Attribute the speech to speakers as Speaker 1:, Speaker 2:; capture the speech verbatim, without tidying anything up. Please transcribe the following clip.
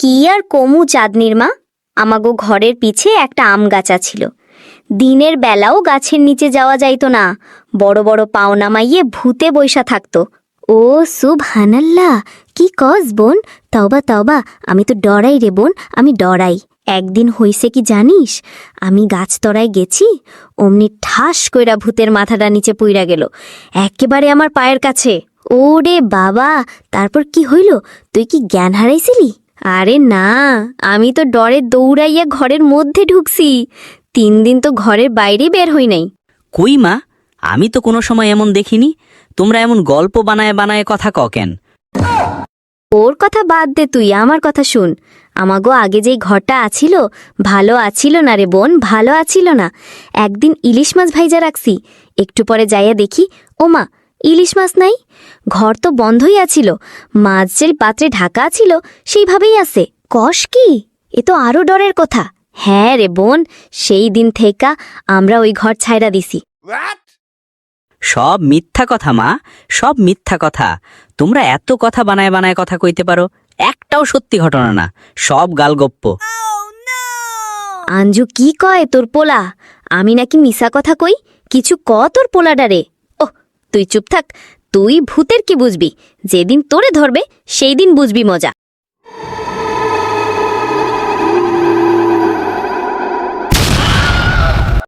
Speaker 1: কি আর কমু চাঁদনির মা, আমাগো ঘরের পিছে একটা আম গাছা ছিল। দিনের বেলাও গাছের নিচে যাওয়া যাইতো না, বড় বড় পাও নামাইয়ে ভূতে বইসা থাকতো। ও সুবহানাল্লাহ, কি কস বোন, তওবা তওবা, আমি তো ডরাই রে বোন, আমি ডরাই। একদিন হইছে কি জানিস, আমি গাছতলায় গেছি, অমনি ঠাস কইরা ভূতের মাথাটা নিচে পুইরা গেল, একেবারে আমার পায়ের কাছে। ওরে বাবা, তারপর কি হইল? তুই কি জ্ঞান হারাইছিলি? আরে না, আমি তো ডরে দৌড়াইয়া ঘরের মধ্যে ঢুকছি। তিন দিন তো ঘরের বাইরে বের হই নাই।
Speaker 2: কই মা, আমি তো কোনো সময় এমন দেখিনি। তোমরা এমন গল্প বানায় বানায় কথা ক কেন?
Speaker 1: ওর কথা বাদ দে, তুই আমার কথা শুন। আমাগো আগে যেই ঘরটা আছিল, ভালো আছিল না রে বোন, ভালো আছিল না। একদিন ইলিশ মাছ ভাইজা রাখছি, একটু পরে যাইয়া দেখি, ও মা, ইলিশ মাছ নাই। ঘর তো বন্ধই আছিল, মাছ যে পাত্রে ঢাকা আছিল সেইভাবেই আছে। কষ কি, এ তো আরো ডরের কথা। হ্যাঁ রে বোন, সেই দিন থেকা আমরা ওই ঘর ছাইরা দিছি।
Speaker 2: সব মিথ্যা কথা মা, সব মিথ্যা কথা। তোমরা এত কথা বানায় বানায় কথা কইতে পারো, একটাও সত্যি ঘটনা না, সব গালগপ্প।
Speaker 1: আঞ্জু কি কয় তোর পোলা? আমি নাকি মিশা কথা কই? কিছু ক তোর পোলাডারে। ওহ, তুই চুপ থাক, তুই ভূতের কি বুঝবি? যেদিন তোরে ধরবে সেই দিন বুঝবি মজা।